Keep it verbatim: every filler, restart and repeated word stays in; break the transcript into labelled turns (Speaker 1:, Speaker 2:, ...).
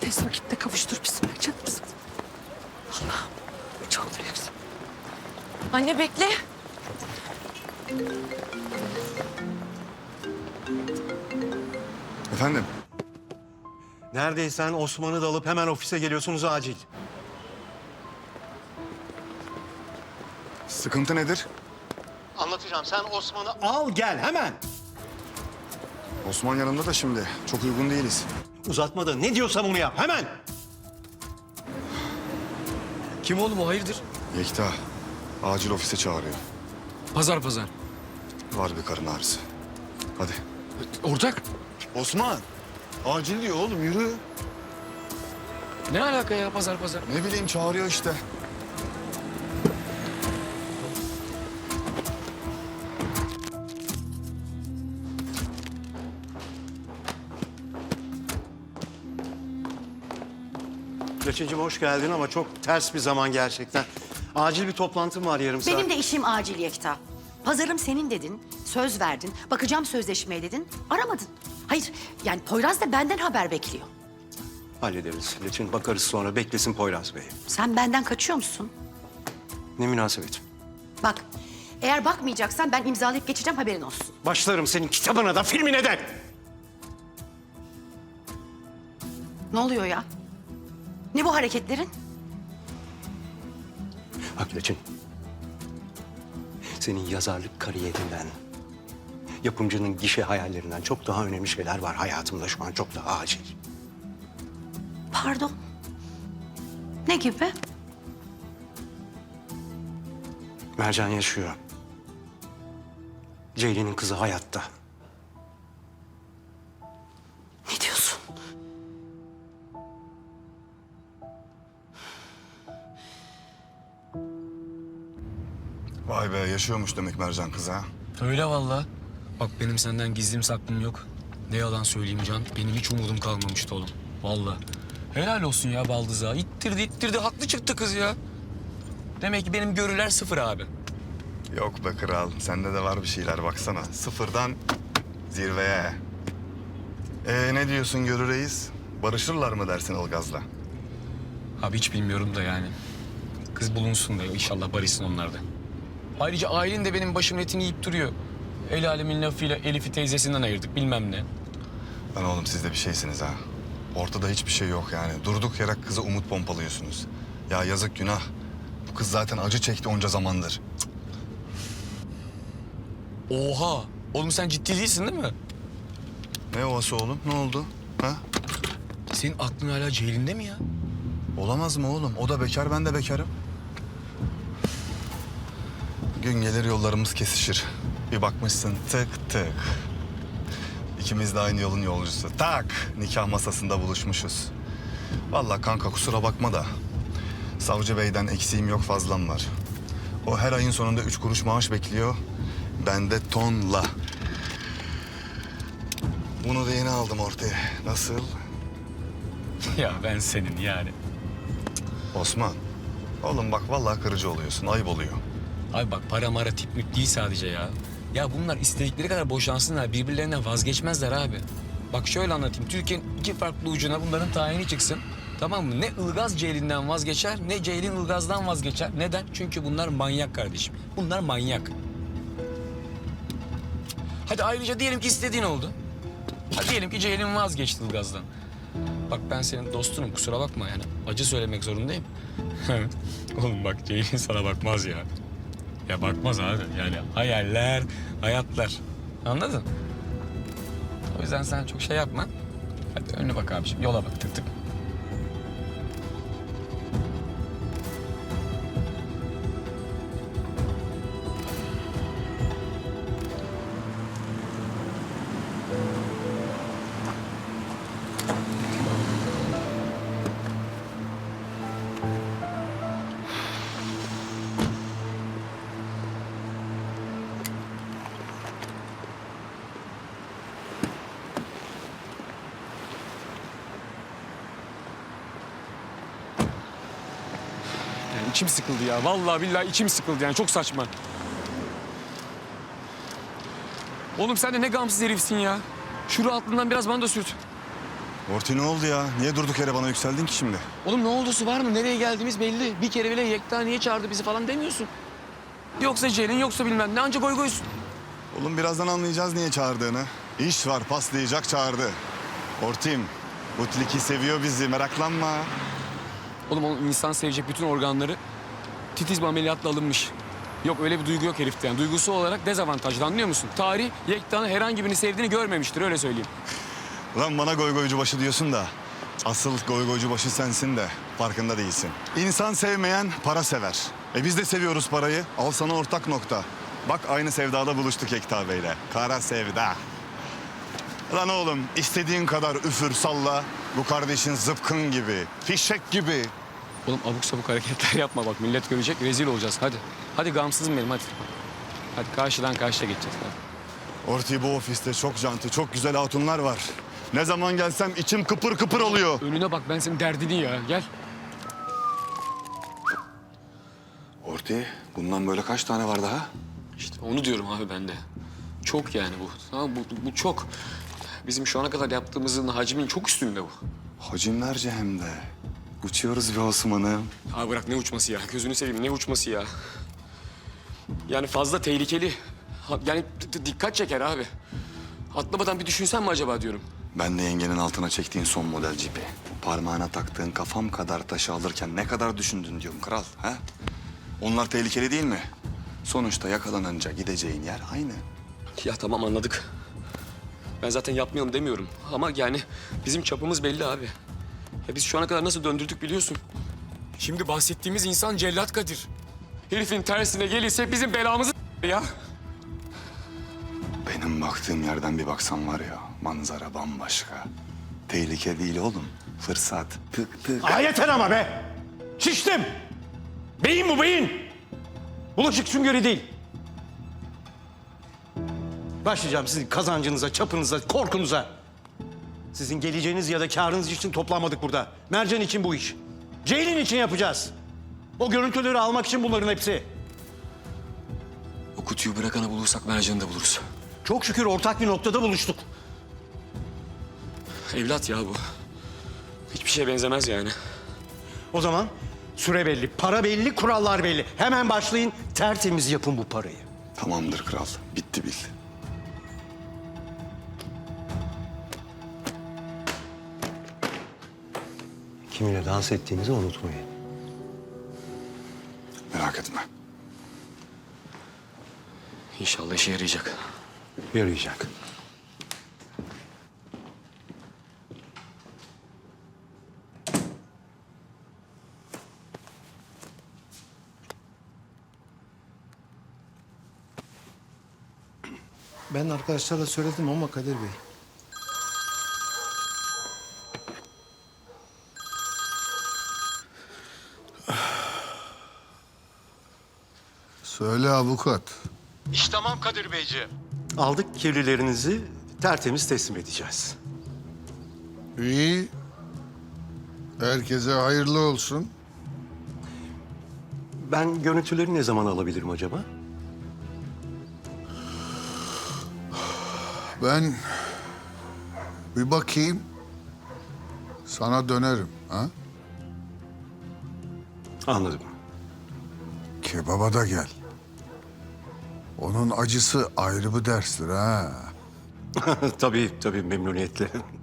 Speaker 1: tez vakitte kavuştur bizi canımız. Allah'ım çok büyüksün.
Speaker 2: Anne bekle.
Speaker 3: Efendim?
Speaker 4: Neredeysen Osman'ı da alıp hemen ofise geliyorsunuz acil.
Speaker 3: Sıkıntı nedir?
Speaker 4: Anlatacağım. Sen Osman'ı al gel hemen.
Speaker 3: Osman yanımda da şimdi. Çok uygun değiliz.
Speaker 4: Uzatma da ne diyorsam onu yap hemen.
Speaker 5: Kim oğlum o, hayırdır?
Speaker 3: Yekta acil ofise çağırıyor.
Speaker 5: Pazar pazar.
Speaker 3: Var bir karın ağrısı. Hadi.
Speaker 5: Ortak.
Speaker 3: Osman! Acil diyor oğlum, yürü.
Speaker 5: Ne alaka ya pazar pazar?
Speaker 3: Ne bileyim, çağırıyor işte.
Speaker 4: Laçıncığım hoş geldin ama çok ters bir zaman gerçekten. Acil bir toplantım var yarım saat.
Speaker 6: Benim de işim acil Yekta. Pazarım senin dedin, söz verdin, bakacağım sözleşmeye dedin, aramadın. Hayır, yani Poyraz da benden haber bekliyor.
Speaker 4: Hallederiz Laçın, bakarız sonra. Beklesin Poyraz Bey.
Speaker 6: Sen benden kaçıyor musun?
Speaker 4: Ne münasebet.
Speaker 6: Bak, eğer bakmayacaksan ben imzalayıp geçeceğim, haberin olsun.
Speaker 4: Başlarım senin kitabına da filmine de.
Speaker 6: Ne oluyor ya? Ne bu hareketlerin?
Speaker 4: Bak Laçın. Senin yazarlık kariyerinden, yapımcının gişe hayallerinden çok daha önemli şeyler var hayatımda şu an, çok daha acil.
Speaker 6: Pardon. Ne gibi?
Speaker 4: Mercan yaşıyor. Ceylin'in kızı hayatta.
Speaker 6: Ne diyorsun?
Speaker 3: Vay be, yaşıyormuş demek Mercan kız ha.
Speaker 5: Öyle vallahi. Bak benim senden gizlim saklım yok. Ne yalan söyleyeyim Can. Benim hiç umudum kalmamıştı oğlum. Vallahi. Helal olsun ya Baldız'a. İttirdi ittirdi. Haklı çıktı kız ya. Demek ki benim görüler sıfır abi.
Speaker 3: Yok be kral, sende de var bir şeyler baksana. Sıfırdan zirveye. Ee ne diyorsun Görü Reis? Barışırlar mı dersin Ilgaz'la?
Speaker 5: Abi hiç bilmiyorum da yani. Kız bulunsun da inşallah barışsın onlar da. Ayrıca ailen de benim başımın etini yiyip duruyor. El alemin lafıyla Elif'i teyzesinden ayırdık bilmem ne.
Speaker 3: Lan oğlum siz de bir şeysiniz ha. Ortada hiçbir şey yok yani. Durduk yere kıza umut pompalıyorsunuz. Ya yazık, günah. Bu kız zaten acı çekti onca zamandır.
Speaker 5: Oha! Oğlum sen ciddi değilsin değil mi?
Speaker 3: Ne ovası oğlum? Ne oldu? Ha?
Speaker 5: Senin aklın hala Ceylin'de mi ya?
Speaker 3: Olamaz mı oğlum? O da bekar, ben de bekarım. Gün gelir yollarımız kesişir. Bir bakmışsın tık tık. İkimiz de aynı yolun yolcusu. Tak! Nikah masasında buluşmuşuz. Vallahi kanka kusura bakma da savcı beyden eksiğim yok, fazlam var. O her ayın sonunda üç kuruş maaş bekliyor. Ben de tonla. Bunu da yeni aldım ortaya. Nasıl?
Speaker 5: Ya ben senin yani.
Speaker 3: Osman. Oğlum bak vallahi kırıcı oluyorsun. Ayıp oluyor.
Speaker 5: Abi bak para mara tip mip değil sadece ya. Ya bunlar istedikleri kadar boşansınlar, birbirlerinden vazgeçmezler abi. Bak şöyle anlatayım. Türkiye'nin iki farklı ucuna bunların tayini çıksın. Tamam mı? Ne Ilgaz Ceylin'den vazgeçer, ne Ceylin Ilgaz'dan vazgeçer. Neden? Çünkü bunlar manyak kardeşim. Bunlar manyak. Hadi ayrıca diyelim ki istediğin oldu. Hadi diyelim ki Ceylin vazgeçti Ilgaz'dan. Bak ben senin dostunum, kusura bakma yani. Acı söylemek zorundayım. Oğlum bak Ceylin sana bakmaz ya. Ya bakmaz abi. Yani hayaller, hayatlar. Anladın? O yüzden sen çok şey yapma. Hadi önüne bak abiciğim. Yola bak tık tık. Yani içim sıkıldı ya. Vallahi billahi içim sıkıldı yani. Çok saçma. Oğlum sen de ne gamsız herifsin ya. Şuru altından biraz bana da sürt.
Speaker 3: Orti ne oldu ya? Niye durduk yere bana yükseldin ki şimdi?
Speaker 5: Oğlum ne oldusu var mı? Nereye geldiğimiz belli. Bir kere bile Yekta niye çağırdı bizi falan demiyorsun. Yoksa Ceylin yoksa bilmem ne ancak goy goysun.
Speaker 3: Oğlum birazdan anlayacağız niye çağırdığını. İş var paslayacak çağırdı. Ortim, bu tilki seviyor bizi meraklanma.
Speaker 5: Oğlum onun insan sevecek bütün organları titiz bir ameliyatla alınmış. Yok öyle bir duygu yok herifte yani. Duygusu olarak dezavantajlı anlıyor musun? Tarih Yekta'nın herhangi birini sevdiğini görmemiştir öyle söyleyeyim.
Speaker 3: Lan bana goy goycu başı diyorsun da asıl goy goycu başı sensin de farkında değilsin. İnsan sevmeyen para sever. E biz de seviyoruz parayı. Al sana ortak nokta. Bak aynı sevdada buluştuk Ekta Bey'le. Kara sevda. Lan oğlum istediğin kadar üfür salla. Bu kardeşin zıpkın gibi, fişek gibi.
Speaker 5: Oğlum abuk sabuk hareketler yapma bak millet görecek rezil olacağız hadi. Hadi gamsızım benim hadi. Hadi karşıdan karşıya geçeceğiz hadi.
Speaker 3: Orti bu ofiste çok canti, çok güzel hatunlar var. Ne zaman gelsem içim kıpır kıpır oluyor.
Speaker 5: Önüne bak ben senin derdini ya gel.
Speaker 3: Orti bundan böyle kaç tane var daha?
Speaker 5: İşte onu diyorum abi ben de. Çok yani bu. Tamam bu, bu çok. Bizim şu ana kadar yaptığımızın hacmin çok üstünde bu.
Speaker 3: Hacimlerce hem de. Uçuyoruz be Osman'ım.
Speaker 5: Abi bırak ne uçması ya? Gözünü seveyim ne uçması ya? Yani fazla tehlikeli. Ha- Yani d- d- dikkat çeker abi. Atlamadan bir düşünsen mi acaba diyorum.
Speaker 3: Ben de yengenin altına çektiğin son model cipi. Parmağına taktığın kafam kadar taşı alırken ne kadar düşündün diyorum kral. Ha? Onlar tehlikeli değil mi? Sonuçta yakalanınca gideceğin yer aynı.
Speaker 5: Ya tamam anladık. Ben zaten yapmayalım demiyorum. Ama yani bizim çapımız belli abi. Ya biz şu ana kadar nasıl döndürdük biliyorsun. Şimdi bahsettiğimiz insan Cellat Kadir. Herifin tersine gelirse bizim belamızı ya.
Speaker 3: Benim baktığım yerden bir baksan var ya manzara bambaşka. Tehlike değil oğlum. Fırsat. Tık tık.
Speaker 4: Aa, yeter ama be! Şiştim! Beyin bu beyin! Bulaşık süngeri değil. Başlayacağım sizin kazancınıza, çapınıza, korkunuza. Sizin geleceğiniz ya da karınız için toplanmadık burada. Mercan için bu iş. Ceylin için yapacağız. O görüntüleri almak için bunların hepsi.
Speaker 5: O kutuyu bırakanı bulursak Mercan'ı da buluruz.
Speaker 4: Çok şükür ortak bir noktada buluştuk.
Speaker 5: Evlat ya bu. Hiçbir şeye benzemez yani.
Speaker 4: O zaman süre belli, para belli, kurallar belli. Hemen başlayın, tertemiz yapın bu parayı.
Speaker 3: Tamamdır kral. Bitti bil.
Speaker 4: Kiminle dans ettiğinizi unutmayın.
Speaker 3: Merak etme.
Speaker 5: İnşallah işe yarayacak.
Speaker 4: Yarayacak.
Speaker 7: Ben arkadaşlarla söyledim ama Kadir Bey.
Speaker 8: Söyle avukat.
Speaker 4: Aldık kirlilerinizi tertemiz teslim edeceğiz.
Speaker 8: İyi. Herkese hayırlı olsun.
Speaker 4: Ben görüntüleri ne zaman alabilirim acaba?
Speaker 8: Ben bir bakayım. Sana dönerim. Ha?
Speaker 4: Anladım.
Speaker 8: Kebaba da gel. Onun acısı ayrı bir derstir ha.
Speaker 4: tabii tabii memnuniyetle.